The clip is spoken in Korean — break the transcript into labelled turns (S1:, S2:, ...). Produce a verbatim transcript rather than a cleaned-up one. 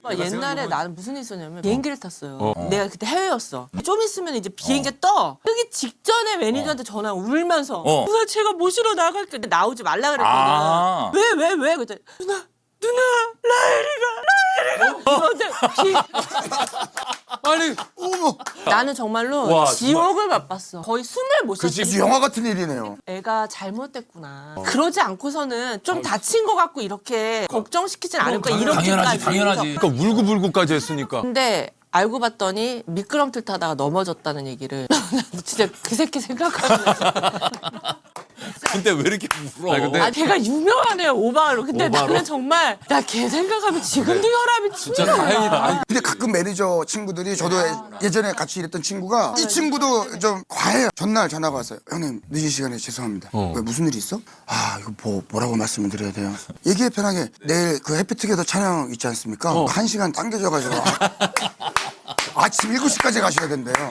S1: 옛날에 나는 무슨 일 있었냐면 비행기를 탔어요.
S2: 어.
S1: 내가 그때 해외였어. 좀 있으면 이제 비행기가 떠. 뜨기 직전에 매니저한테 전화 울면서
S2: 어.
S1: 누나 제가 모시러 나갈게. 근데 나오지 말라 그랬거든.
S2: 아.
S1: 왜 왜 왜? 그랬더니 누나 누나 라엘이가 라엘이가 그런데 비...
S2: 아니
S3: 어머,
S1: 나는 정말로
S2: 와,
S1: 지옥을 맛봤어. 거의 숨을 못 쉬었어.
S3: 아주 영화 같은 일이네요.
S1: 애가 잘못됐구나. 그러지 않고서는 좀 다친 것 같고 이렇게 걱정시키진 않을 거야. 이렇게까지.
S2: 당연하지 당연하지. 그러니까 울고불고까지 했으니까.
S1: 근데 알고 봤더니 미끄럼틀 타다가 넘어졌다는 얘기를 진짜 그 새끼 생각하면
S2: 근데 왜 이렇게 울어? 아니, 근데
S1: 아 걔가 유명하네요 오바로. 근데
S2: 오바로?
S1: 나는 정말 나 걔 생각하면 지금도 혈압이
S2: 진짜
S1: 치밀어.
S2: 다행이다. 아니,
S3: 근데 가끔 매니저 친구들이 저도 예- 예전에 같이 일했던 친구가 이 친구도 좀 과해요. 전날 전화가 왔어요. 형님 늦은 시간에 죄송합니다.
S2: 어.
S3: 왜 무슨 일이 있어? 아 이거 뭐 뭐라고 말씀을 드려야 돼요? 얘기해 편하게. 내일 그 해피투게더 촬영 있지 않습니까? 한 시간 당겨져가지고 아, 아침 일곱 시까지 가셔야 된대요.